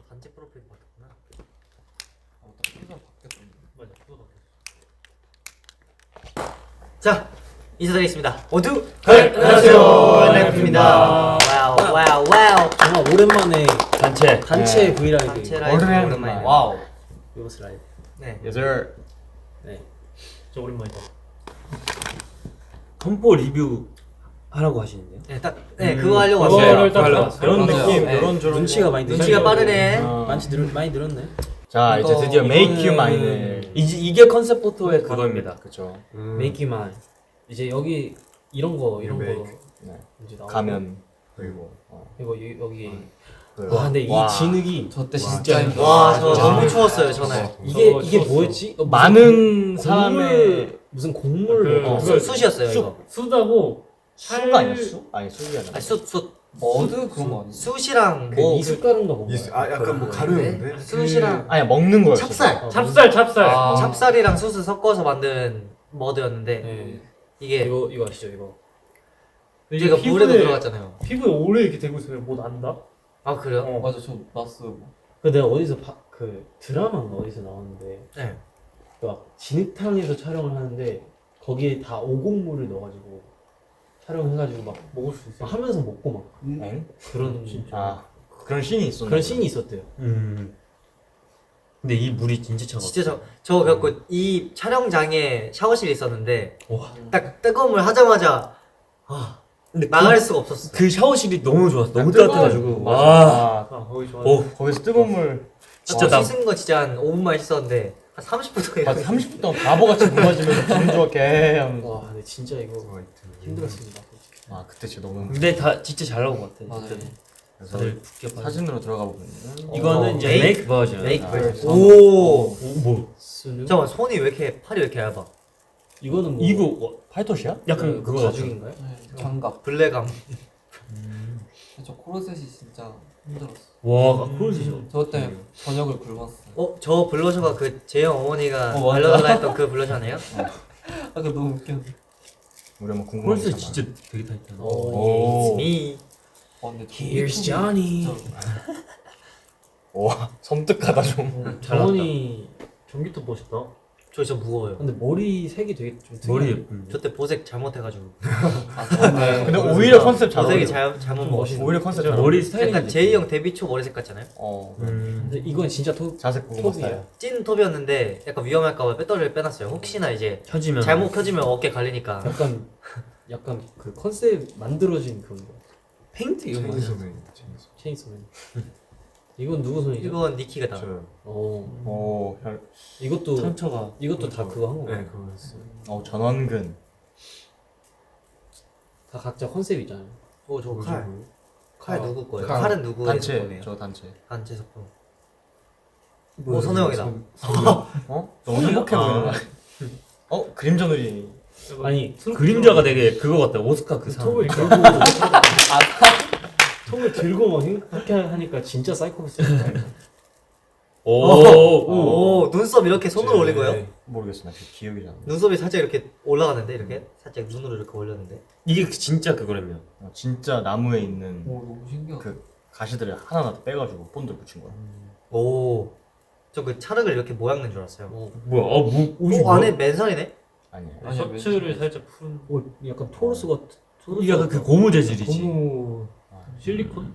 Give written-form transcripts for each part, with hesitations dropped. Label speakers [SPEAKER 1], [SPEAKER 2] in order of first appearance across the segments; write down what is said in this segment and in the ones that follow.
[SPEAKER 1] 단체 프로필 바꿨구나.
[SPEAKER 2] 피가 바뀌었던.
[SPEAKER 1] 맞아, 그거 바뀌었어. 자, 인사드리겠습니다. 모두 안녕하세요. 네, 와우.
[SPEAKER 3] 정말 오랜만에 단체
[SPEAKER 2] 네.
[SPEAKER 3] 브이라이브.
[SPEAKER 1] 단체 라이브 오랜만에.
[SPEAKER 2] 와우.
[SPEAKER 3] 요스 라이브.
[SPEAKER 1] 네.
[SPEAKER 2] 예절.
[SPEAKER 3] 네.
[SPEAKER 1] 저 오랜만이다.
[SPEAKER 4] 컴포 리뷰 하라고 하시는데요?
[SPEAKER 1] 네, 그거 하려고 왔어요.
[SPEAKER 4] 그거를 딱
[SPEAKER 2] 맞아요.
[SPEAKER 4] 그런
[SPEAKER 2] 맞아요.
[SPEAKER 4] 느낌,
[SPEAKER 2] 네.
[SPEAKER 4] 이런 저런
[SPEAKER 3] 눈치가 많이
[SPEAKER 1] 눈치가 빠르네.
[SPEAKER 3] 많이 늘었네.
[SPEAKER 2] 자 이제 드디어 Make You Mine을.
[SPEAKER 4] 이게 컨셉 포토의 그거입니다.
[SPEAKER 2] 그렇죠.
[SPEAKER 3] 메이키만 이제 여기 이런 거
[SPEAKER 2] 네.
[SPEAKER 3] 이제 나오고.
[SPEAKER 2] 가면 그리고
[SPEAKER 3] 이거 여기
[SPEAKER 2] 그-
[SPEAKER 3] 와 근데 이
[SPEAKER 2] 와.
[SPEAKER 3] 진흙이
[SPEAKER 2] 저때
[SPEAKER 3] 진짜
[SPEAKER 2] 힘들었어.
[SPEAKER 1] 와, 저
[SPEAKER 3] 아,
[SPEAKER 1] 너무
[SPEAKER 3] 네.
[SPEAKER 1] 추웠어요, 전날.
[SPEAKER 3] 이게 뭐였지?
[SPEAKER 2] 많은 사람의
[SPEAKER 3] 무슨 곡물
[SPEAKER 1] 숯이었어요,
[SPEAKER 2] 숯.
[SPEAKER 1] 이거.
[SPEAKER 5] 수다고
[SPEAKER 2] 수가 아니야 수? 아니 수가 아니야.
[SPEAKER 1] 아니, 숯.
[SPEAKER 2] 머드 그런 거 아니야?
[SPEAKER 1] 숯이랑
[SPEAKER 3] 그
[SPEAKER 1] 뭐
[SPEAKER 3] 이숫가루인가 뭔가.
[SPEAKER 6] 약간 뭐 가루였는데?
[SPEAKER 1] 숯이랑
[SPEAKER 2] 아니 먹는 거였어.
[SPEAKER 1] 찹쌀.
[SPEAKER 5] 찹쌀
[SPEAKER 2] 아.
[SPEAKER 1] 찹쌀이랑 숯을 섞어서 만든 머드였는데
[SPEAKER 3] 네.
[SPEAKER 1] 이게
[SPEAKER 3] 이거 아시죠 이거?
[SPEAKER 1] 이게 물에도 들어갔잖아요.
[SPEAKER 5] 피부에 오래 이렇게 대고 있으면 뭐 난다?
[SPEAKER 1] 아, 그래요?
[SPEAKER 2] 맞아 저 났어.
[SPEAKER 3] 그 내가 어디서 그 드라마인가 어디서 나왔는데
[SPEAKER 1] 네.
[SPEAKER 3] 막 진흙탕에서 촬영을 하는데 거기에 다 오곡물을 넣어가지고 촬영해가지고 막
[SPEAKER 5] 먹을 수 있어.
[SPEAKER 3] 하면서 먹고 막
[SPEAKER 2] 엥?
[SPEAKER 3] 그런
[SPEAKER 2] 아 그런 씬이 있었네.
[SPEAKER 3] 그런 씬이 있었대요.
[SPEAKER 4] 근데 이 물이 진짜 차가워.
[SPEAKER 1] 진짜 저 그래갖고 이 촬영장에 샤워실이 있었는데
[SPEAKER 4] 와.
[SPEAKER 1] 딱 뜨거운 물 하자마자
[SPEAKER 4] 근데
[SPEAKER 1] 나갈 수가 없었어.
[SPEAKER 4] 그 샤워실이 너무 좋았어. 너무
[SPEAKER 2] 뜨거운-
[SPEAKER 4] 따뜻해가지고.
[SPEAKER 2] 맞아.
[SPEAKER 4] 와.
[SPEAKER 2] 아,
[SPEAKER 5] 거기 좋아.
[SPEAKER 4] 오.
[SPEAKER 2] 거기서 뜨거운 물.
[SPEAKER 4] 진짜 나
[SPEAKER 1] 씻은 거 진짜 한 5분만 씻었는데 한 30분 동안
[SPEAKER 2] 맞아 30분 동안 바보같이 물 마시면서 기분 좋게 하면서.
[SPEAKER 3] 와 근데 진짜 이거 힘들었습니다. 솔직히.
[SPEAKER 2] 아 그때 진짜 너무.
[SPEAKER 4] 근데 다 진짜 잘 나온 것 같아.
[SPEAKER 2] 맞아요.
[SPEAKER 4] 그때.
[SPEAKER 2] 그래서
[SPEAKER 4] 다들 붙게 봐.
[SPEAKER 2] 사진으로 들어가 보면
[SPEAKER 4] 이거는 이제
[SPEAKER 1] 메이크-
[SPEAKER 4] 메이크 버전.
[SPEAKER 1] 메이크
[SPEAKER 2] 아,
[SPEAKER 1] 버전.
[SPEAKER 2] 오.
[SPEAKER 1] 오.
[SPEAKER 4] 뭐?
[SPEAKER 3] 스누?
[SPEAKER 1] 잠깐만, 손이 왜 이렇게 팔이 왜 이렇게 얇아?
[SPEAKER 3] 이거는 뭐
[SPEAKER 4] 이거
[SPEAKER 2] 팔토시야?
[SPEAKER 4] 약간 그거 같아.
[SPEAKER 3] 가죽인가요?
[SPEAKER 7] 장갑.
[SPEAKER 1] 블랙감.
[SPEAKER 7] 저 코르셋이 진짜 힘들었어.
[SPEAKER 4] 와, 그러시죠.
[SPEAKER 7] 저 때문에 저녁을 굶었어.
[SPEAKER 1] 저 블러셔가 그 재영 어머니가
[SPEAKER 7] 맞아.
[SPEAKER 1] 알려달라 했던 그 블러셔 아니에요?
[SPEAKER 7] 아, 그 너무 웃겼는데.
[SPEAKER 2] 우리 한번 궁금한 게
[SPEAKER 4] 콜스
[SPEAKER 2] 있잖아.
[SPEAKER 4] 진짜 되게 타이트하다.
[SPEAKER 2] 오.
[SPEAKER 1] It's me.
[SPEAKER 7] 근데 저
[SPEAKER 3] Here's
[SPEAKER 7] 유튜브
[SPEAKER 3] Johnny.
[SPEAKER 7] 진짜
[SPEAKER 2] 와 섬뜩하다 좀.
[SPEAKER 3] 정원이
[SPEAKER 5] 전기톱 멋있다.
[SPEAKER 1] 저 무거워요.
[SPEAKER 3] 근데 머리 색이 되게 좀
[SPEAKER 4] 머리
[SPEAKER 3] 특이하네.
[SPEAKER 4] 예쁜데.
[SPEAKER 1] 저 때 보색 잘못해가지고.
[SPEAKER 2] 근데 오히려 컨셉 잘
[SPEAKER 1] 보색이
[SPEAKER 2] 어울려.
[SPEAKER 1] 잘못
[SPEAKER 3] 좀
[SPEAKER 1] 먹었어.
[SPEAKER 3] 멋있네.
[SPEAKER 2] 오히려 컨셉 잘
[SPEAKER 4] 머리
[SPEAKER 2] 어울려.
[SPEAKER 4] 스타일이
[SPEAKER 1] 약간 제이 형 데뷔 초 머리색 같잖아요.
[SPEAKER 3] 근데 이건 진짜
[SPEAKER 2] 자색 고구마
[SPEAKER 3] 톱이에요.
[SPEAKER 2] 스타일.
[SPEAKER 1] 찐 톱이었는데 약간 위험할까봐 배터리를 빼놨어요. 혹시나 이제
[SPEAKER 4] 켜지면
[SPEAKER 1] 잘못 켜지면 어깨 갈리니까.
[SPEAKER 3] 약간 그 컨셉 만들어진 그런 거.
[SPEAKER 4] 페인트 이거 맞아.
[SPEAKER 3] 체인소맨. 이건 누구 손이죠?
[SPEAKER 1] 이건 니키가 나.
[SPEAKER 2] 오,
[SPEAKER 3] 이것도
[SPEAKER 4] 상처가.
[SPEAKER 3] 다 그거 한 거.
[SPEAKER 6] 네, 그거였어요.
[SPEAKER 2] 전원근.
[SPEAKER 3] 다 각자 컨셉 있잖아요.
[SPEAKER 1] 저 칼. 칼 누구 거예요?
[SPEAKER 2] 칼.
[SPEAKER 1] 칼은 누구의
[SPEAKER 2] 단체,
[SPEAKER 1] 제품이에요?
[SPEAKER 2] 저 단체.
[SPEAKER 1] 단체 제품. 오, 선호형이다.
[SPEAKER 2] 어? 너무 행복해 보이는 거 아니야? 그림자 놀이.
[SPEAKER 3] 아니
[SPEAKER 4] 그림자가 되게 그거 같다. 오스카 그 사람.
[SPEAKER 3] 톱을 들고 톱을 들고 막 이렇게 하니까 진짜 사이코패스.
[SPEAKER 1] 오, 눈썹 이렇게 손으로 올린 거예요?
[SPEAKER 2] 모르겠어, 나 기억이 잘 안 나.
[SPEAKER 1] 눈썹이 살짝 이렇게 올라가는데 이렇게 살짝 눈으로 이렇게 올렸는데.
[SPEAKER 4] 이게 진짜 그거라며.
[SPEAKER 2] 진짜 나무에 있는
[SPEAKER 7] 오, 너무 신기하다.
[SPEAKER 2] 그 가시들을 하나하나 빼가지고 본드를 붙인 거야.
[SPEAKER 1] 오, 저 그 찰흙을 이렇게 모양 낸 줄 알았어요.
[SPEAKER 4] 뭐야? 옷이
[SPEAKER 1] 오, 안에 맨살이네?
[SPEAKER 2] 아니야.
[SPEAKER 7] 아니야,
[SPEAKER 5] 셔츠를
[SPEAKER 7] 왠지.
[SPEAKER 5] 살짝 푸른
[SPEAKER 3] 오 약간 토르스 같은.
[SPEAKER 4] 이게 약간 그 고무 재질이지.
[SPEAKER 3] 고무.
[SPEAKER 5] 실리콘?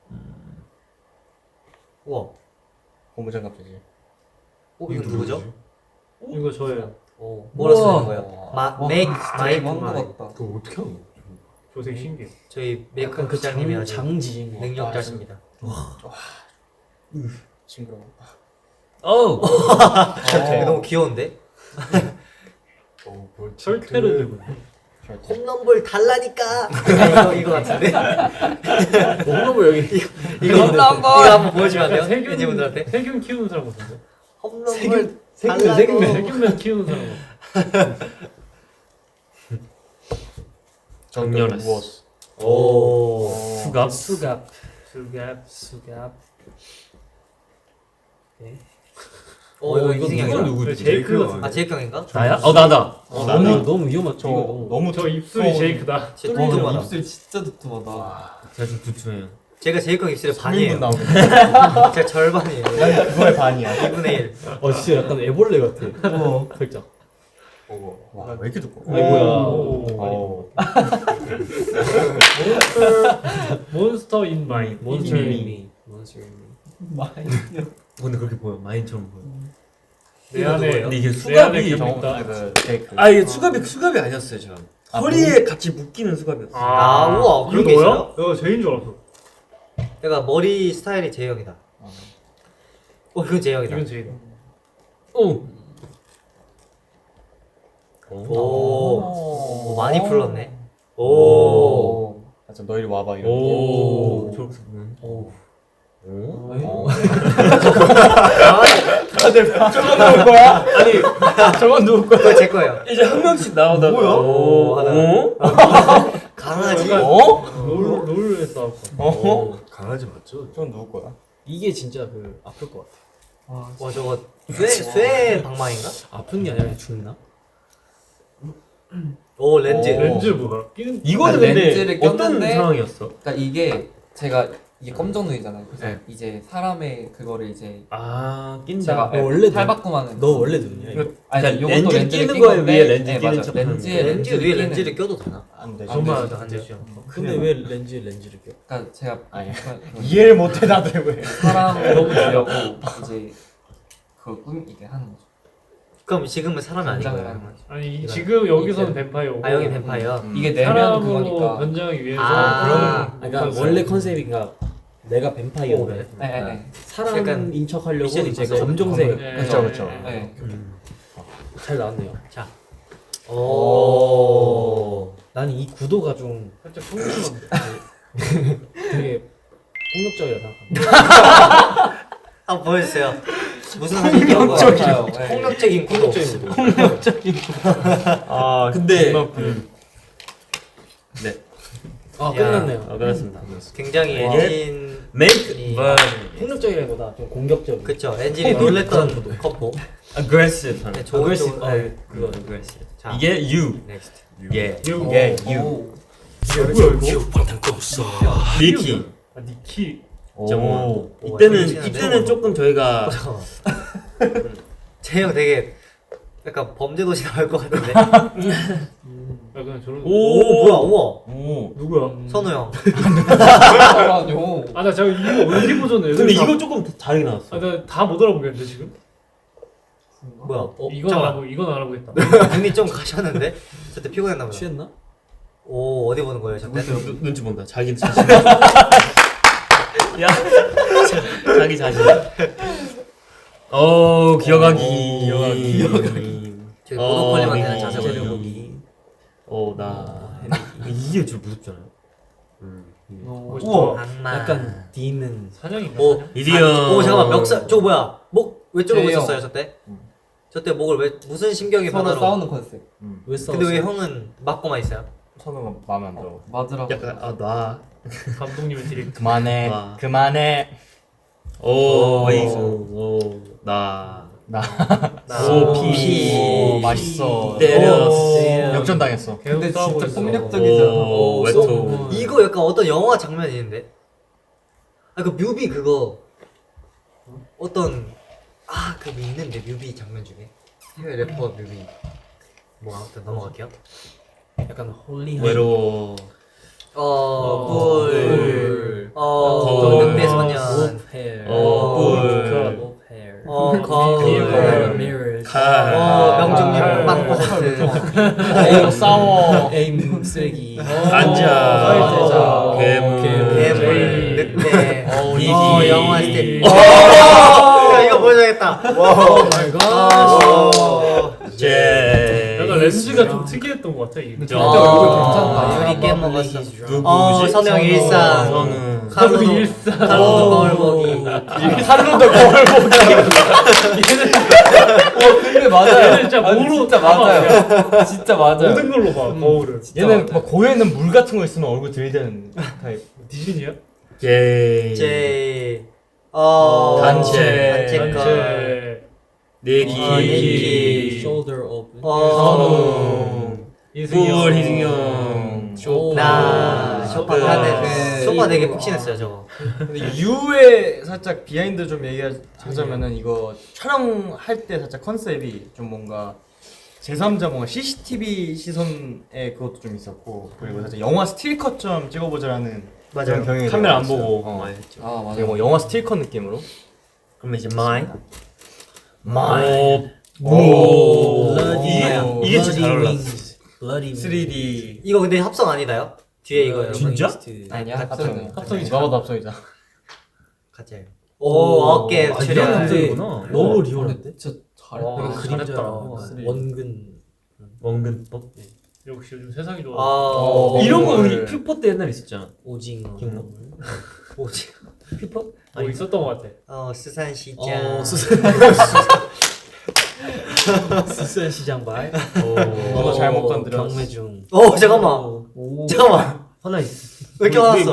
[SPEAKER 1] 우와.
[SPEAKER 2] 고무장갑이지.
[SPEAKER 1] 이거 누구죠?
[SPEAKER 5] 이거 저예요.
[SPEAKER 1] 뭐라 쓰는
[SPEAKER 4] 우와.
[SPEAKER 1] 거예요?
[SPEAKER 7] 와,
[SPEAKER 1] 메이크
[SPEAKER 7] 진짜
[SPEAKER 1] 마이크
[SPEAKER 7] 한것 같다.
[SPEAKER 6] 그거 어떻게 하는 거야?
[SPEAKER 5] 조색 신기해.
[SPEAKER 1] 저희 메이크업
[SPEAKER 3] 약간 그
[SPEAKER 1] 부장님이 아주
[SPEAKER 3] 장지인 거.
[SPEAKER 1] 능력자십니다.
[SPEAKER 2] 징그러워.
[SPEAKER 4] 어우.
[SPEAKER 1] 너무 귀여운데?
[SPEAKER 5] 철퇴를 들고 있네.
[SPEAKER 1] 홈런볼 달라니까. 이거 같은데?
[SPEAKER 3] 홈런볼 여기.
[SPEAKER 1] 이거 한번 보여주면 안 돼요?
[SPEAKER 5] 세균
[SPEAKER 1] 팬분들한테?
[SPEAKER 5] 세균 키우는 사람 같은데?
[SPEAKER 1] 홈런볼
[SPEAKER 3] 세균,
[SPEAKER 1] 달라고.
[SPEAKER 5] 세균만 키우는 사람.
[SPEAKER 4] 정렬했어.
[SPEAKER 2] 무엇?
[SPEAKER 1] 오.
[SPEAKER 4] 수갑.
[SPEAKER 3] 수갑.
[SPEAKER 5] 수갑.
[SPEAKER 1] 이거
[SPEAKER 4] 이거
[SPEAKER 1] 이승형이다.
[SPEAKER 4] 누구지?
[SPEAKER 5] 제이크 같은데?
[SPEAKER 1] 아, 제이크 형인가?
[SPEAKER 4] 나야? 나다.
[SPEAKER 3] 너무 위험하죠.
[SPEAKER 2] 저
[SPEAKER 3] 이거 너무.
[SPEAKER 2] 너무
[SPEAKER 5] 저 입술이 제이크다.
[SPEAKER 1] 진짜
[SPEAKER 7] 와,
[SPEAKER 1] 뚱뚱하다.
[SPEAKER 7] 입술 진짜 두툼하다.
[SPEAKER 4] 제가 좀 두툼해요.
[SPEAKER 1] 제가 제일 큰 입술의
[SPEAKER 2] 3인분
[SPEAKER 1] 반이에요.
[SPEAKER 2] 나오겠네.
[SPEAKER 1] 제가 절반이에요.
[SPEAKER 2] 난 그거의 반이야.
[SPEAKER 1] 2분의 1.
[SPEAKER 3] 진짜 약간 애벌레 같아. 살짝.
[SPEAKER 2] 와, 왜 이렇게 두꺼워?
[SPEAKER 3] 아이고야.
[SPEAKER 2] 오.
[SPEAKER 5] 몬스터 인 마인.
[SPEAKER 3] 몬스터
[SPEAKER 5] 이미.
[SPEAKER 3] 미. 몬스터 미.
[SPEAKER 4] 근데 그렇게 보여. 마인처럼 보여.
[SPEAKER 5] 내 안에
[SPEAKER 4] 근데 이게
[SPEAKER 5] 내
[SPEAKER 4] 수갑이
[SPEAKER 5] 안에
[SPEAKER 2] 정,
[SPEAKER 5] 있다.
[SPEAKER 2] 그 케이크.
[SPEAKER 4] 아 이게 수갑이 아니었어요 저. 허리에 같이 묶이는 수갑이었어.
[SPEAKER 1] 아, 우와, 그런 게
[SPEAKER 5] 이거
[SPEAKER 1] 있어요?
[SPEAKER 5] 너야? 내가 제인 줄 알았어.
[SPEAKER 1] 내가 머리 스타일이 제형이다. 이건 제형이다.
[SPEAKER 5] 이건 제이다.
[SPEAKER 4] 오.
[SPEAKER 1] 오, 많이 풀렀네. 오.
[SPEAKER 2] 오. 좀 너희리 와봐 이런.
[SPEAKER 4] 오. 초록색은.
[SPEAKER 3] 오.
[SPEAKER 4] 오.
[SPEAKER 2] 저건 누울 거야? 아니, 저건 누울 거야?
[SPEAKER 1] 그거 제 거예요.
[SPEAKER 4] 이제 한 명씩 나오다가.
[SPEAKER 2] 뭐야?
[SPEAKER 4] 오.
[SPEAKER 1] 하나.
[SPEAKER 4] 오.
[SPEAKER 1] 강아지.
[SPEAKER 2] 어?
[SPEAKER 5] 롤에 싸울 거.
[SPEAKER 2] 어?
[SPEAKER 6] 강아지 맞죠?
[SPEAKER 2] 저건 누울 거야?
[SPEAKER 3] 이게 진짜 그 아플 것 같아.
[SPEAKER 1] 와, 저거 쇠 방망인가?
[SPEAKER 3] 아픈 게 아니라 죽나?
[SPEAKER 1] 오, 렌즈.
[SPEAKER 5] 렌즈 뭐야? 끼는
[SPEAKER 4] 이거는
[SPEAKER 7] 렌즈를
[SPEAKER 4] 근데 어떤
[SPEAKER 7] 꼈는데-
[SPEAKER 4] 상황이었어?
[SPEAKER 7] 그러니까 이게 제가 이게 검정 눈이잖아요. 그래서
[SPEAKER 4] 네.
[SPEAKER 7] 이제 사람의 그거를 이제
[SPEAKER 4] 아 낀다.
[SPEAKER 7] 제가
[SPEAKER 3] 너 원래
[SPEAKER 7] 탈바꿈하는.
[SPEAKER 3] 너 원래 눈이야? 이거?
[SPEAKER 7] 아니
[SPEAKER 4] 그러니까
[SPEAKER 7] 요것도
[SPEAKER 4] 렌즈
[SPEAKER 7] 렌즈를
[SPEAKER 4] 끼는
[SPEAKER 7] 낀
[SPEAKER 4] 거에
[SPEAKER 7] 건데,
[SPEAKER 4] 위에 렌즈
[SPEAKER 7] 네,
[SPEAKER 4] 끼는
[SPEAKER 7] 맞아.
[SPEAKER 4] 척하는
[SPEAKER 7] 렌즈에
[SPEAKER 1] 렌즈
[SPEAKER 7] 렌즈를
[SPEAKER 1] 위에
[SPEAKER 7] 끼는.
[SPEAKER 1] 렌즈를 껴도 되나?
[SPEAKER 2] 안 돼.
[SPEAKER 5] 정말
[SPEAKER 1] 안 되죠.
[SPEAKER 3] 근데 왜 렌즈를 껴?
[SPEAKER 7] 그러니까 제가
[SPEAKER 2] 아니.
[SPEAKER 7] 그
[SPEAKER 2] 이해를 못해 나도 왜?
[SPEAKER 7] 사람을 너무 주려고 이제 그 꿈 이게 하는 거죠.
[SPEAKER 1] 그럼 지금은 사람이 아닌
[SPEAKER 7] 변장을
[SPEAKER 1] 거예요?
[SPEAKER 7] 하는 거죠.
[SPEAKER 5] 아니
[SPEAKER 1] 이거.
[SPEAKER 5] 지금 여기서는 뱀파이어고.
[SPEAKER 1] 아, 여기 뱀파이어.
[SPEAKER 7] 이게 내면
[SPEAKER 5] 사람으로
[SPEAKER 7] 그거니까.
[SPEAKER 5] 변장하기 위해서
[SPEAKER 1] 아,
[SPEAKER 5] 그런
[SPEAKER 3] 그러니까 원래 컨셉인가 내가 뱀파이어인데
[SPEAKER 1] 오, 네.
[SPEAKER 7] 네.
[SPEAKER 3] 사람인 척하려고
[SPEAKER 1] 미션이
[SPEAKER 3] 이제
[SPEAKER 1] 있었어요.
[SPEAKER 3] 검정색
[SPEAKER 5] 네.
[SPEAKER 2] 그렇죠, 그렇죠.
[SPEAKER 7] 네.
[SPEAKER 3] 잘 나왔네요.
[SPEAKER 1] 오.
[SPEAKER 3] 나는 이 구도가 좀
[SPEAKER 5] 살짝 풍성한데.
[SPEAKER 3] 되게 폭력적이라 생각합니다.
[SPEAKER 1] 한번 보여주세요. 무슨 사진이요?
[SPEAKER 7] 맞아요. 네.
[SPEAKER 1] 폭력적인 구도.
[SPEAKER 3] 폭력적인 구도.
[SPEAKER 4] 아 근데 네.
[SPEAKER 3] 아 끝났네요.
[SPEAKER 4] 끝났습니다.
[SPEAKER 1] 굉장히
[SPEAKER 4] 와.
[SPEAKER 1] 엔진.
[SPEAKER 4] Make
[SPEAKER 1] 이-
[SPEAKER 3] 폭력적이라기보다 좀 공격적인.
[SPEAKER 1] 그쵸. 엔진이 놀랬던 컵보.
[SPEAKER 4] aggressive 하는.
[SPEAKER 1] 네, 좋은
[SPEAKER 3] aggressive.
[SPEAKER 1] 쪽. 네.
[SPEAKER 4] 그거 aggressive.
[SPEAKER 1] 자.
[SPEAKER 4] 이게 you.
[SPEAKER 1] 넥스트.
[SPEAKER 4] 예.
[SPEAKER 5] You.
[SPEAKER 4] 예.
[SPEAKER 7] 오.
[SPEAKER 4] you.
[SPEAKER 5] 뭐야 이거?
[SPEAKER 4] 리키.
[SPEAKER 5] 아 니키.
[SPEAKER 4] 정원.
[SPEAKER 1] 오,
[SPEAKER 4] 이때는
[SPEAKER 1] 재밌는데?
[SPEAKER 4] 조금 저희가
[SPEAKER 1] 제형 되게 약간 범죄도시 나올 것 같은데.
[SPEAKER 5] 아 그냥 저런.
[SPEAKER 1] 오, 뭐야, 우와.
[SPEAKER 4] 오.
[SPEAKER 5] 누구야?
[SPEAKER 1] 선우 형.
[SPEAKER 7] 아니요.
[SPEAKER 5] 아 나 제가 이거 어디 보잖아요.
[SPEAKER 4] 근데 이거 조금 다르게 나왔어.
[SPEAKER 5] 아나 다 못 알아보겠는데 지금?
[SPEAKER 1] 뭐야?
[SPEAKER 5] 이건
[SPEAKER 1] 잠깐만.
[SPEAKER 5] 이건 알아보겠다.
[SPEAKER 1] 눈이 좀 가셨는데? 저때 피곤했나 보다.
[SPEAKER 3] 취했나?
[SPEAKER 1] 오, 어디 보는 거예요, 저때?
[SPEAKER 4] 눈치 본다. 자기 자신. 야. 자기 자신. 기어가기.
[SPEAKER 1] 저기 모노폴리만 되는 자세거든요.
[SPEAKER 4] 재려보기. 나 이게 좀 무섭잖아요.
[SPEAKER 5] 멋있다.
[SPEAKER 1] 악마.
[SPEAKER 3] 약간 디는
[SPEAKER 5] 사냥인가?
[SPEAKER 1] 오,
[SPEAKER 5] 사냥?
[SPEAKER 4] 이디언.
[SPEAKER 1] 오, 잠깐만, 멱살. 저거 뭐야? 목, 왜 저러고
[SPEAKER 7] 제형.
[SPEAKER 1] 있었어요, 저때? 저때 목을 왜, 무슨 심경의
[SPEAKER 7] 서로
[SPEAKER 1] 변화로?
[SPEAKER 7] 싸우는 컨셉.
[SPEAKER 3] 왜 싸웠어?
[SPEAKER 1] 근데 왜 형은 맞고만 있어요?
[SPEAKER 2] 선우가 마음에 안 들어.
[SPEAKER 7] 맞으라고.
[SPEAKER 4] 약간 나.
[SPEAKER 5] 감독님의 디렉트.
[SPEAKER 2] 그만해.
[SPEAKER 4] 와.
[SPEAKER 2] 그만해.
[SPEAKER 4] 나.
[SPEAKER 1] 오,
[SPEAKER 4] 피.
[SPEAKER 2] 오, 맛있어.
[SPEAKER 4] 때렸어.
[SPEAKER 2] 역전당했어.
[SPEAKER 5] 계속
[SPEAKER 7] 근데
[SPEAKER 5] 싸우고
[SPEAKER 7] 진짜
[SPEAKER 5] 있어.
[SPEAKER 7] 폭력적이잖아.
[SPEAKER 4] 오, 웨토.
[SPEAKER 1] 이거 약간 어떤 영화 장면이 있는데? 아, 그 뮤비 그거. 어떤, 그 있는데, 뮤비 장면 중에. 해외 래퍼 뮤비. 뭐, 아무튼 넘어갈게요.
[SPEAKER 3] 약간 홀리한
[SPEAKER 4] 외로워.
[SPEAKER 1] 꿀.
[SPEAKER 4] 거울.
[SPEAKER 1] 늑대 소년.
[SPEAKER 3] 오페어
[SPEAKER 4] 꿀.
[SPEAKER 3] 오페어
[SPEAKER 1] 거울.
[SPEAKER 3] mirrors
[SPEAKER 1] 명중률
[SPEAKER 5] 칼.
[SPEAKER 1] 0%.
[SPEAKER 2] 싸워.
[SPEAKER 3] 에임 쓰레기
[SPEAKER 4] 앉아.
[SPEAKER 3] 괴물.
[SPEAKER 1] 괴물, 늑대.
[SPEAKER 4] 이기.
[SPEAKER 1] 영화 스텝. 야, 이거 보여줘야겠다.
[SPEAKER 3] 오 마이 갓
[SPEAKER 4] 제.
[SPEAKER 5] 약간 렌즈가 좀 특이했던 것 같아 이게.
[SPEAKER 7] 근데 진짜 얼굴 괜찮다.
[SPEAKER 1] 유리 깨먹었어.
[SPEAKER 4] 누구지?
[SPEAKER 1] 선우 형 일상.
[SPEAKER 4] 저는.
[SPEAKER 1] 카루도
[SPEAKER 5] 일상.
[SPEAKER 1] 카루도 거울 보기.
[SPEAKER 2] 칼로도 거울 보기.
[SPEAKER 7] 근데 맞아요.
[SPEAKER 5] 얘는 진짜
[SPEAKER 7] 아니,
[SPEAKER 5] 뭐로
[SPEAKER 7] 진짜
[SPEAKER 5] 다
[SPEAKER 7] 맞아요. 진짜 맞아요.
[SPEAKER 5] 모든 걸로 봐 거울을.
[SPEAKER 2] 얘는 막 고에는 물 같은 거 있으면 얼굴 들이대는 타입.
[SPEAKER 5] 디즈니야?
[SPEAKER 4] 제.
[SPEAKER 1] 제
[SPEAKER 4] 단체.
[SPEAKER 1] 단체 거.
[SPEAKER 5] 단체.
[SPEAKER 4] 내기.
[SPEAKER 1] 내기.
[SPEAKER 3] shoulder open
[SPEAKER 1] 선우.
[SPEAKER 4] 꿀 희승형.
[SPEAKER 3] shoulder
[SPEAKER 1] 나. 쇼파
[SPEAKER 2] 그-
[SPEAKER 1] 안에 쇼파 되게 푹신했어요 저거.
[SPEAKER 2] 근데 U의 살짝 비하인드 좀 얘기하자면은 이거 촬영할 때 살짝 컨셉이 좀 뭔가 제3자 뭔가 CCTV 시선에 그것도 좀 있었고 그리고 살짝 영화 스틸컷처럼 찍어보자라는
[SPEAKER 1] 맞아요.
[SPEAKER 2] 그런 경향이
[SPEAKER 4] 카메라 안
[SPEAKER 2] 있었어요.
[SPEAKER 4] 보고
[SPEAKER 2] 어.
[SPEAKER 4] 많이 했죠.
[SPEAKER 7] 아 맞아.
[SPEAKER 2] 되게 뭐 영화 스틸컷 느낌으로.
[SPEAKER 1] 그럼 이제 마이.
[SPEAKER 2] 오.
[SPEAKER 4] 이게 진짜 잘 올랐어.
[SPEAKER 3] Bloody
[SPEAKER 2] 3D.
[SPEAKER 1] 이거 근데 합성 아니다요? 뒤에 이거 여러분.
[SPEAKER 4] 진짜?
[SPEAKER 7] 아니야
[SPEAKER 2] 합성.
[SPEAKER 5] 합성이
[SPEAKER 2] 누가 봐도 합성이잖아.
[SPEAKER 1] 같이. 오 어깨
[SPEAKER 5] 이런
[SPEAKER 1] 출연.
[SPEAKER 5] 감성이구나.
[SPEAKER 3] 너무 리얼한데?
[SPEAKER 7] 진짜 잘했다.
[SPEAKER 5] 와,
[SPEAKER 3] 그림자
[SPEAKER 5] 잘했다.
[SPEAKER 3] 원근
[SPEAKER 4] 원근법.
[SPEAKER 5] 역시 요즘 세상이 좋아.
[SPEAKER 1] 아
[SPEAKER 4] 이런 거
[SPEAKER 2] 뭘.
[SPEAKER 4] 우리 퓨퍼 때 옛날에 있었잖아.
[SPEAKER 3] 오징어
[SPEAKER 4] 기억나?
[SPEAKER 1] 뭐지?
[SPEAKER 4] 퓨퍼?
[SPEAKER 5] 뭐 있었던 것 같아.
[SPEAKER 1] 수산시장.
[SPEAKER 3] 수산시장 발
[SPEAKER 2] 너도 잘못 건드렸어.
[SPEAKER 3] 경매중
[SPEAKER 1] 잠깐만. 잠깐만.
[SPEAKER 4] 하나 있어.
[SPEAKER 1] 왜 이렇게 화났어?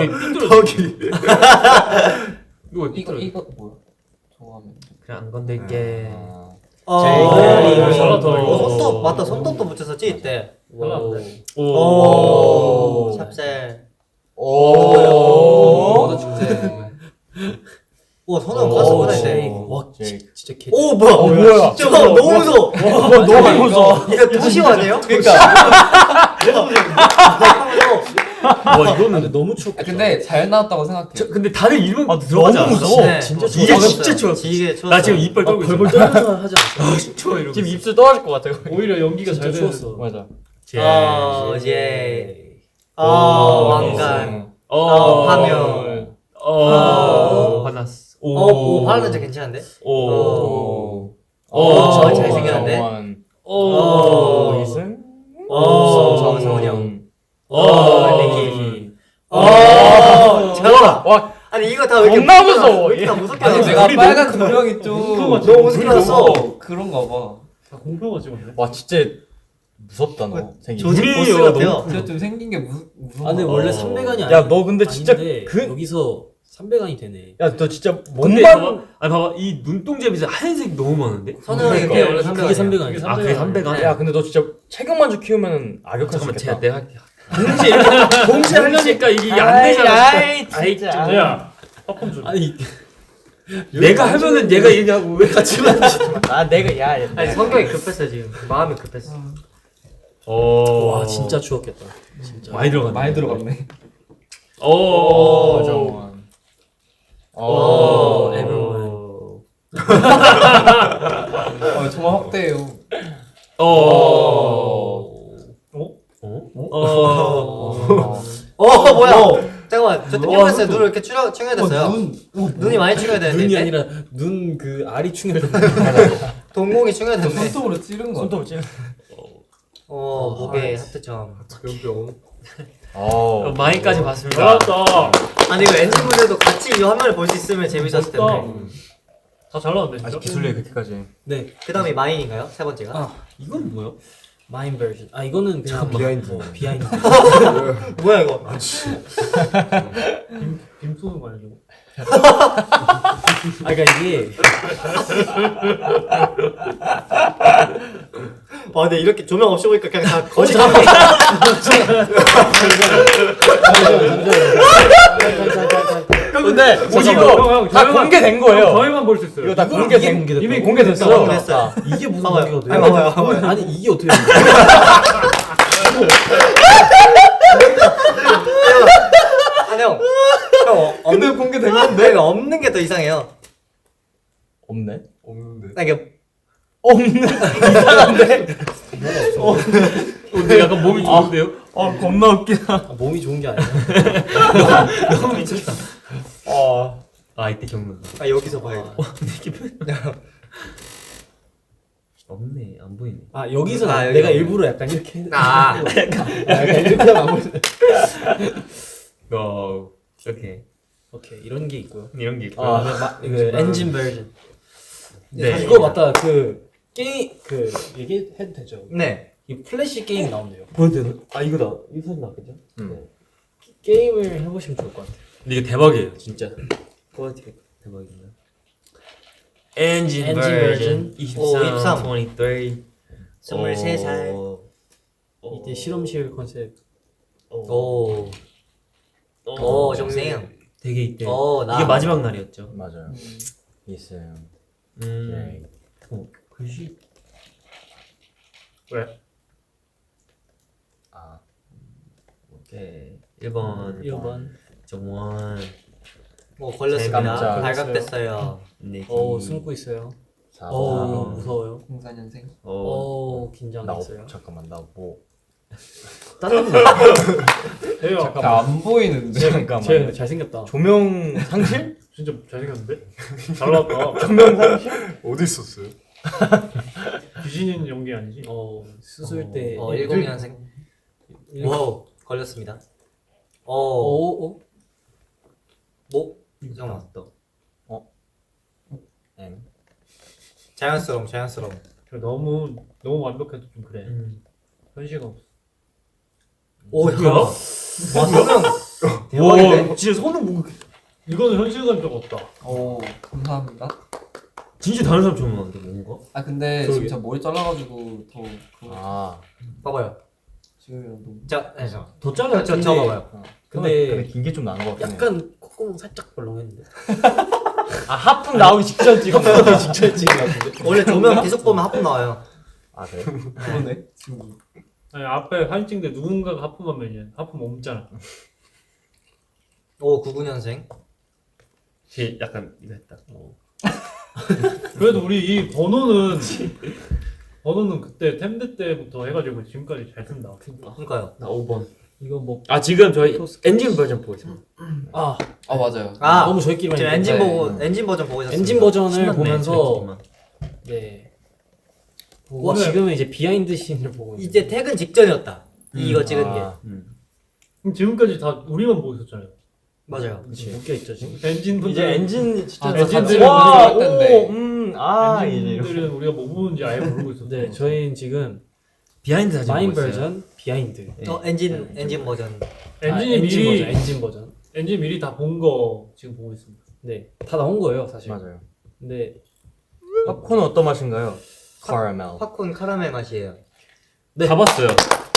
[SPEAKER 7] 이거 뭐야? 저거 하면
[SPEAKER 4] 그냥 안 건들게.
[SPEAKER 5] 오, 잘한다, 이거.
[SPEAKER 1] 손톱 맞다. 손톱도 붙였었지 이때.
[SPEAKER 2] 오.
[SPEAKER 1] 샵셀.
[SPEAKER 2] 오.
[SPEAKER 7] 모두 축제.
[SPEAKER 1] 오 손은 갔어 이때.
[SPEAKER 3] 와
[SPEAKER 2] 제이크.
[SPEAKER 3] 진짜 개
[SPEAKER 1] 오 뭐야?
[SPEAKER 2] 뭐야?
[SPEAKER 1] 진짜 너무 무서워.
[SPEAKER 2] 너무 무서워.
[SPEAKER 1] 이거 도시화 아니에요?
[SPEAKER 2] 그러니까.
[SPEAKER 4] 와 이거는
[SPEAKER 3] 근데 너무 추웠겠다
[SPEAKER 7] 근데 잘 나왔다고 생각해.
[SPEAKER 4] 근데 다들 이름 들어가지
[SPEAKER 2] 너무
[SPEAKER 4] 않았어?
[SPEAKER 2] 무서워.
[SPEAKER 1] 네.
[SPEAKER 3] 진짜
[SPEAKER 4] 이게
[SPEAKER 3] 추웠어.
[SPEAKER 4] 진짜 추웠어.
[SPEAKER 1] 이게 추웠어.
[SPEAKER 4] 나 지금 이빨 떨고 있어.
[SPEAKER 3] 벌벌 떨면서 하지 않았어?
[SPEAKER 4] 추워 이러고.
[SPEAKER 2] 지금 입술 떨어질 것 같아.
[SPEAKER 5] 오히려 연기가
[SPEAKER 3] 진짜
[SPEAKER 5] 잘 되는.
[SPEAKER 3] 추웠어
[SPEAKER 2] 맞아.
[SPEAKER 1] 예.
[SPEAKER 2] 오.
[SPEAKER 1] 왕관. 화면.
[SPEAKER 4] 화났어.
[SPEAKER 1] 오 바르는 진짜 괜찮은데?
[SPEAKER 2] 오.
[SPEAKER 1] 잘생겼는데?
[SPEAKER 2] 정원.
[SPEAKER 1] 오.
[SPEAKER 2] 이승.
[SPEAKER 1] 정성훈이 형.
[SPEAKER 2] 니키.
[SPEAKER 1] 잠깐만.
[SPEAKER 2] 와.
[SPEAKER 1] 아니 이거 다 왜 이렇게
[SPEAKER 2] 겁나 무서워.
[SPEAKER 1] 왜 이렇게 다 무섭게
[SPEAKER 7] 아니
[SPEAKER 1] 나왔어?
[SPEAKER 7] 내가 빨간 조명이 좀
[SPEAKER 1] 너무 무섭게 나왔어.
[SPEAKER 7] 그런가 봐.
[SPEAKER 5] 다 공표가 찍었네.
[SPEAKER 2] 와 진짜 무섭다 너. 생긴.
[SPEAKER 1] 조직
[SPEAKER 4] 우리
[SPEAKER 1] 보스
[SPEAKER 4] 이거
[SPEAKER 1] 같아요.
[SPEAKER 7] 진짜 좀 생긴 게 무서워.
[SPEAKER 3] 아 근데 원래 300안이 아니야
[SPEAKER 2] 야 너 근데 진짜
[SPEAKER 3] 아닌데
[SPEAKER 2] 그.
[SPEAKER 3] 여기서 300안이 되네
[SPEAKER 2] 야 너 진짜
[SPEAKER 4] 근데
[SPEAKER 2] 몸만.
[SPEAKER 4] 봐봐, 아니 봐봐 이 눈동자 밑에 하얀색 너무 많은데?
[SPEAKER 1] 선우형이 그게 원래
[SPEAKER 3] 그게
[SPEAKER 1] 300.
[SPEAKER 3] 300안이야
[SPEAKER 4] 아 그게 300안?
[SPEAKER 2] 야 근데 너 진짜 체격만주 키우면은 악역할 수
[SPEAKER 4] 잠깐만
[SPEAKER 2] 있겠다.
[SPEAKER 4] 제가 내가 할게. 동시에 이렇게 동시에 하려니까 이게 안 되잖아.
[SPEAKER 2] 아이 진짜.
[SPEAKER 5] 야, 팝콘 좀.
[SPEAKER 3] 아니
[SPEAKER 4] 내가 하면은 얘가 얘기하고 왜 같이 만지?
[SPEAKER 2] 아 내가 야.
[SPEAKER 1] 아니 성격이 급했어 지금. 마음이 급했어.
[SPEAKER 3] 와 진짜 추웠겠다 진짜
[SPEAKER 4] 많이 들어갔네.
[SPEAKER 7] 많이 들어갔네.
[SPEAKER 2] 오 정원.
[SPEAKER 3] 오,
[SPEAKER 4] everyone.
[SPEAKER 7] 정말 확대해요.
[SPEAKER 1] 뭐야? 잠깐만 저 땡겨봤어요. 눈을 이렇게 충혈됐어요. 눈이 많이 충혈됐는데.
[SPEAKER 3] 눈이
[SPEAKER 1] 이때?
[SPEAKER 3] 아니라 눈 그 알이 충혈됐다
[SPEAKER 1] 동공이 충혈됐네.
[SPEAKER 7] 손톱으로 찌른 거.
[SPEAKER 2] 손톱을 찌르.
[SPEAKER 1] 목에 하트점.
[SPEAKER 4] 마이까지 봤습니다.
[SPEAKER 5] 잘났다.
[SPEAKER 1] 아니 이거 엔진분들도 같이 이 화면을 볼 수 있으면 재밌었을 텐데.
[SPEAKER 5] 다잘 나왔네 진짜.
[SPEAKER 2] 아직 기술력이 그렇게까지.
[SPEAKER 3] 네
[SPEAKER 1] 그다음이 마인인가요? 세 번째가?
[SPEAKER 3] 아.
[SPEAKER 4] 이건 뭐야?
[SPEAKER 3] 마인 버전 아 이거는 그냥
[SPEAKER 6] 비하인드.
[SPEAKER 3] 비하인드
[SPEAKER 1] 뭐야 이거?
[SPEAKER 5] 빔 쏘는 거 아니야?
[SPEAKER 3] 아 그러니까 이게
[SPEAKER 1] 근데 이렇게 조명 없이 보니까 그냥 다 거짓.
[SPEAKER 2] 근데
[SPEAKER 5] 잠깐만,
[SPEAKER 2] 이거
[SPEAKER 5] 형,
[SPEAKER 2] 다
[SPEAKER 5] 저희만-
[SPEAKER 2] 공개된 거예요.
[SPEAKER 5] 저희만 볼 수 있어요.
[SPEAKER 2] 이거 다 공개된
[SPEAKER 3] 공개됐다고?
[SPEAKER 2] 이미 공개됐어.
[SPEAKER 1] 공개됐어요.
[SPEAKER 3] 이게 무슨
[SPEAKER 1] 봐봐요.
[SPEAKER 3] 관계가 돼?
[SPEAKER 1] 아니, 봐봐요.
[SPEAKER 3] 아니 이게 어떻게 돼?
[SPEAKER 1] 아니 형. 근데 공개된 건데 없는 게 더 이상해요.
[SPEAKER 2] 없네.
[SPEAKER 6] 없는데.
[SPEAKER 1] 나 이게
[SPEAKER 4] 근데 약간 몸이 좋은데요?
[SPEAKER 2] 겁나 웃기다.
[SPEAKER 3] 아, 몸이 좋은 게 아니야
[SPEAKER 4] 너무 미쳤다. 아 이때 기억난다.
[SPEAKER 1] 여기서 봐요.
[SPEAKER 4] 없네 안 보이네.
[SPEAKER 3] 아 여기서
[SPEAKER 1] 아, 여기
[SPEAKER 3] 내가
[SPEAKER 1] 없네.
[SPEAKER 3] 일부러 약간 이렇게
[SPEAKER 1] 약간
[SPEAKER 3] 이렇게 하면 안 보여
[SPEAKER 4] 오케이
[SPEAKER 3] 오케이 이런 게 있고요
[SPEAKER 4] 이런 게 있고.
[SPEAKER 3] 이거 엔진 버전
[SPEAKER 4] 네.
[SPEAKER 3] 이거 맞다 그 게임 그 얘기해도 되죠
[SPEAKER 1] 네.
[SPEAKER 3] 이 플래시 게임 나온대요
[SPEAKER 4] 보여도 되나? 아 이거다. 이거 사진 나왔겠죠?
[SPEAKER 3] 게임을 해보시면 좋을 것 같아요
[SPEAKER 4] 근데 이거 대박이에요 진짜. 퀄리티가 대박이네. 엔진 버전 23, 23.
[SPEAKER 1] 23살.
[SPEAKER 3] 이때 실험실 컨셉
[SPEAKER 1] 오. 오 정생.
[SPEAKER 3] 되게 이때
[SPEAKER 1] 나.
[SPEAKER 3] 이게 마지막 날이었죠.
[SPEAKER 2] 맞아요. 있어요.
[SPEAKER 3] 글씨
[SPEAKER 5] 왜?
[SPEAKER 2] 아
[SPEAKER 3] 오케이 1번 정원
[SPEAKER 1] 뭐 걸렸습니다.
[SPEAKER 2] 깜짝.
[SPEAKER 1] 발각됐어요.
[SPEAKER 3] 네.
[SPEAKER 8] 숨고 있어요.
[SPEAKER 2] 4,
[SPEAKER 8] 무서워요.
[SPEAKER 7] 04년생.
[SPEAKER 8] 긴장했어요.
[SPEAKER 2] 잠깐만 나뭐
[SPEAKER 5] 해요.
[SPEAKER 7] 안 보이는데.
[SPEAKER 2] 잠깐만.
[SPEAKER 8] 쟤 잘생겼다.
[SPEAKER 2] 조명 상실?
[SPEAKER 5] 진짜 잘생겼는데? 잘 나왔다.
[SPEAKER 2] 조명 상실?
[SPEAKER 6] 어디 있었어요?
[SPEAKER 5] 귀신인 연기 아니지?
[SPEAKER 8] 수술 때.
[SPEAKER 1] 10년생. 와우 걸렸습니다.
[SPEAKER 8] 오.
[SPEAKER 1] 뭐? 잠깐만.
[SPEAKER 2] 엥.
[SPEAKER 1] 자연스러움.
[SPEAKER 5] 너무 완벽해도 좀 그래. 현실감 없어.
[SPEAKER 1] 오 야. 와 소명. 대박인데.
[SPEAKER 3] 진짜 손은 뭐
[SPEAKER 5] 이거는 현실감 좀 없다.
[SPEAKER 7] 오 감사합니다.
[SPEAKER 3] 진짜 다른 사람 처음 봤는데 뭔가?
[SPEAKER 7] 아 근데
[SPEAKER 3] 그러게.
[SPEAKER 7] 진짜 머리 잘라가지고 더 그거
[SPEAKER 2] 아
[SPEAKER 1] 봐봐요.
[SPEAKER 7] 지금이랑 너무.
[SPEAKER 1] 자, 네, 잠깐.
[SPEAKER 3] 더 잘라.
[SPEAKER 1] 저 봐봐요.
[SPEAKER 2] 근데 긴 게 좀 나은 것 같긴 해.
[SPEAKER 8] 약간 콧구멍 살짝 벌렁했는데.
[SPEAKER 2] 아 하품 나오기 직전 찍었어.
[SPEAKER 8] 직전 찍은 것 같은데.
[SPEAKER 1] 원래 조명 계속 보면 하품 나와요.
[SPEAKER 2] 아 그래?
[SPEAKER 7] 그러네. 지금.
[SPEAKER 5] 아니 앞에 사진 찍는데 누군가가 하품하면 이제 하품 멈잖아.
[SPEAKER 1] 오 99년생.
[SPEAKER 3] 쟤 약간 이거 했다.
[SPEAKER 5] 그래도 우리 이 번호는 그때 템드 때부터 해가지고 지금까지 잘 쓴다.
[SPEAKER 1] 그러니까요.
[SPEAKER 3] 나 5번.
[SPEAKER 8] 이거 뭐.
[SPEAKER 3] 지금 저희 엔진 버전 보고 있습니다.
[SPEAKER 7] 아 맞아요.
[SPEAKER 8] 너무 저희끼리만.
[SPEAKER 1] 지금
[SPEAKER 8] 했는데.
[SPEAKER 1] 엔진
[SPEAKER 7] 네.
[SPEAKER 1] 보고 엔진 버전 보고 있었어요.
[SPEAKER 8] 엔진 버전을
[SPEAKER 3] 신났네,
[SPEAKER 8] 보면서
[SPEAKER 3] 저희끼리만.
[SPEAKER 8] 네. 보고
[SPEAKER 5] 오늘-
[SPEAKER 8] 지금은 이제 비하인드 씬을 보고 있어요.
[SPEAKER 1] 이제 퇴근 직전이었다. 이거 찍은 게.
[SPEAKER 5] 그럼 지금까지 다 우리만 보고 있었잖아요.
[SPEAKER 1] 맞아요.
[SPEAKER 8] 묶여 있죠 지금.
[SPEAKER 5] 엔진 분들
[SPEAKER 2] 이제 엔진 진짜
[SPEAKER 5] 엔진들은
[SPEAKER 2] 와,
[SPEAKER 7] 우리가 할 텐데.
[SPEAKER 2] 이제
[SPEAKER 5] 엔진들은 우리가 뭐 보는지 아예 모르고 있었어.
[SPEAKER 8] 네, 저희는 지금
[SPEAKER 3] 비하인드 사진
[SPEAKER 8] 마인
[SPEAKER 3] 보고 있어요.
[SPEAKER 8] 버전, 비하인드.
[SPEAKER 1] 엔진 버전.
[SPEAKER 5] 엔진이
[SPEAKER 8] 엔진
[SPEAKER 5] 미리
[SPEAKER 8] 버전, 엔진 버전.
[SPEAKER 5] 엔진 미리 다 본 거 지금 보고 있습니다.
[SPEAKER 8] 네, 다 나온 거예요 사실.
[SPEAKER 2] 맞아요.
[SPEAKER 8] 근데
[SPEAKER 2] 팝콘은 어떤 맛인가요? 카라멜.
[SPEAKER 1] 팝콘 카라멜 맛이에요.
[SPEAKER 3] 다 봤어요.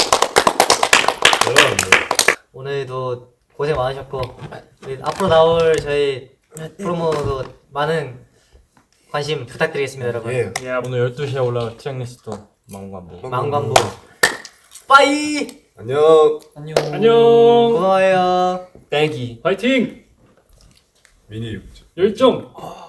[SPEAKER 1] 오늘도 고생 많으셨고 우리 앞으로 나올 저희 프로모도 많은 관심 부탁드리겠습니다, 여러분.
[SPEAKER 6] 예.
[SPEAKER 2] 오늘 12시에 올라올 트랙리스트 망관부.
[SPEAKER 1] 망관부. 빠이.
[SPEAKER 6] 안녕.
[SPEAKER 7] 안녕.
[SPEAKER 5] 안녕.
[SPEAKER 1] 고마워요.
[SPEAKER 3] 땡기.
[SPEAKER 5] 파이팅.
[SPEAKER 6] 미니 육주.
[SPEAKER 5] 열정.